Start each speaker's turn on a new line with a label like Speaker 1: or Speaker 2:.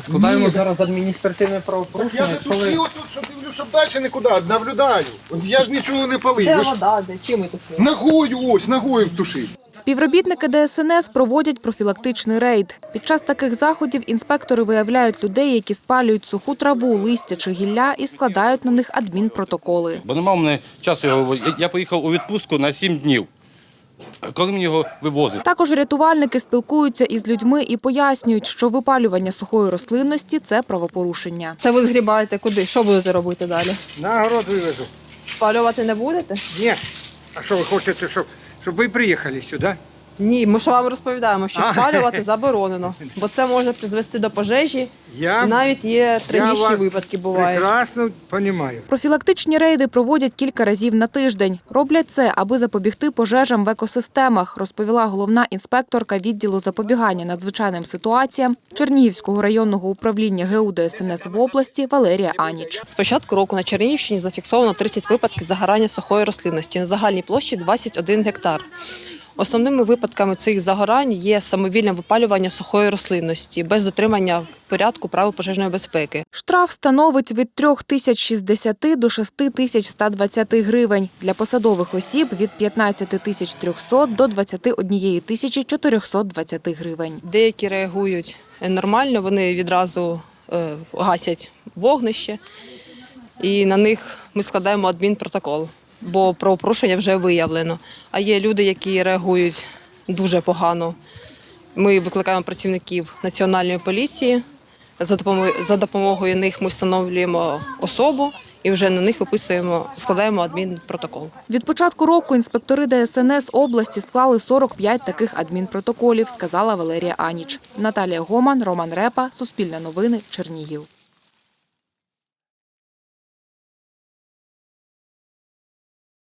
Speaker 1: Складаємо зараз адміністративне правопорушення.
Speaker 2: Я же душі отут, що дивлю, щоб далі нікуди, наблюдаю. От я ж нічого не палив.
Speaker 3: Це
Speaker 2: Ви ж
Speaker 3: вода, де? Чим ми тут?
Speaker 2: ногою ось, ногою тушив.
Speaker 4: Співробітники ДСНС проводять профілактичний рейд. Під час таких заходів інспектори виявляють людей, які спалюють суху траву, листя чи гілля і складають на них адмінпротоколи.
Speaker 5: Бо немає в мене часу його. Я поїхав у відпустку на 7 днів. Коли мені його вивозити?
Speaker 4: Також рятувальники спілкуються із людьми і пояснюють, що випалювання сухої рослинності – це правопорушення.
Speaker 3: Це ви згрібаєте куди? Що будете робити далі?
Speaker 6: На город вивезу.
Speaker 3: Спалювати не будете?
Speaker 6: Ні. А що ви хочете, щоб ви приїхали сюди?
Speaker 3: Ні, ми ж вам розповідаємо, що спалювати заборонено, бо це може призвести до пожежі, і навіть є трагічні випадки бувають.
Speaker 6: Прекрасно розумію.
Speaker 4: Профілактичні рейди проводять кілька разів на тиждень. Роблять це, аби запобігти пожежам в екосистемах, розповіла головна інспекторка відділу запобігання надзвичайним ситуаціям Чернігівського районного управління ГУ ДСНС в області Валерія Аніч.
Speaker 3: З початку року на Чернігівщині зафіксовано 30 випадків загорання сухої рослинності на загальній площі 21 гектар. Основними випадками цих загорань є самовільне випалювання сухої рослинності без дотримання порядку правил пожежної безпеки.
Speaker 4: Штраф становить від 3060 до 6120 гривень. Для посадових осіб – від 15300 до 21420 гривень.
Speaker 3: Деякі реагують нормально, вони відразу гасять вогнище і на них ми складаємо адмінпротокол, бо правопорушення вже виявлено. А є люди, які реагують дуже погано. Ми викликаємо працівників Національної поліції, за допомогою них ми встановлюємо особу і вже на них складаємо адмінпротокол.
Speaker 4: Від початку року інспектори ДСНС області склали 45 таких адмінпротоколів, сказала Валерія Аніч. Наталія Гоман, Роман Репа, Суспільне новини, Чернігів.